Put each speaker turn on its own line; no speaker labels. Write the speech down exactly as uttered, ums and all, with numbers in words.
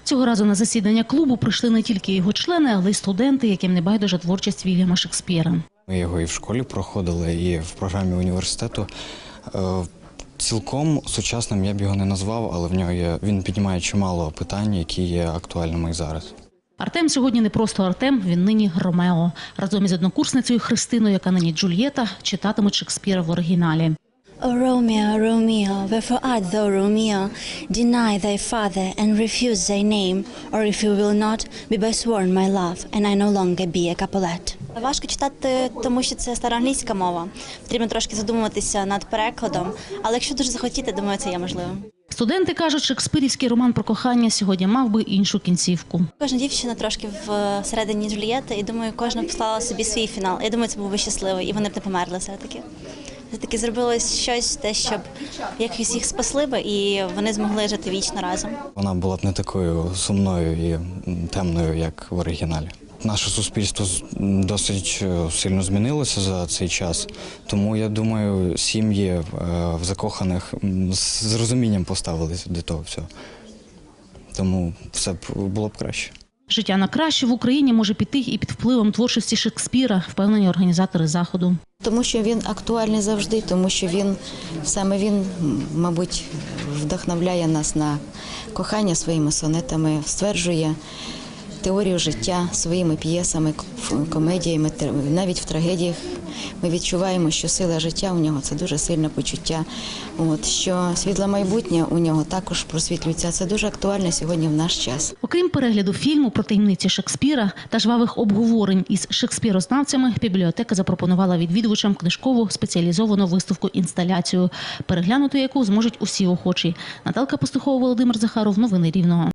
Цього разу на засідання клубу прийшли не тільки його члени, але й студенти, яким не байдужа творчість Вільяма Шекспіра.
Ми його і в школі проходили, і в програмі університету. Цілком сучасним я б його не назвав, але в нього є, він піднімає чимало питань, які є актуальними і зараз.
Артем сьогодні не просто Артем, він нині Ромео. Разом із однокурсницею Христиною, яка нині Джульєта, читатимуть Шекспіра в оригіналі.
O Romeo, Romeo, wherefore art thou, Romeo? Deny thy father and refuse thy name, or if you will not, be by sworn my love, and I no longer be a Capulet. Важко читати, тому що це староанглійська мова. Потрібно трошки задумуватися над перекладом, але якщо дуже захотіти, думаю, це є можливим.
Студенти кажуть, шекспирівський роман про кохання сьогодні мав би іншу кінцівку.
Кожна дівчина трошки всередині Джульєти, і думаю, кожна послала собі свій фінал. Я думаю, це був би щасливий, і вони б не померли все-таки. Все-таки зробилось щось, те, щоб якось їх спасли би, і вони змогли жити вічно разом.
Вона була б не такою сумною і темною, як в оригіналі. Наше суспільство досить сильно змінилося за цей час, тому, я думаю, сім'ї в закоханих з розумінням поставилися до того всього. Тому все б було б краще.
Життя на краще в Україні може піти і під впливом творчості Шекспіра, впевнені організатори заходу.
Тому що він актуальний завжди, тому що він, саме він, мабуть, вдохновляє нас на кохання своїми сонетами, стверджує теорію життя своїми п'єсами, комедіями, навіть в трагедіях. Ми відчуваємо, що сила життя у нього – це дуже сильне почуття. От, що світле майбутнє у нього також просвітлюється. Це дуже актуально сьогодні в наш час.
Окрім перегляду фільму про таємниці Шекспіра та жвавих обговорень із шекспірознавцями, бібліотека запропонувала відвідувачам книжкову спеціалізовану виставку-інсталяцію, переглянути яку зможуть усі охочі. Наталка Пастухова, Володимир Захаров. Новини Рівного.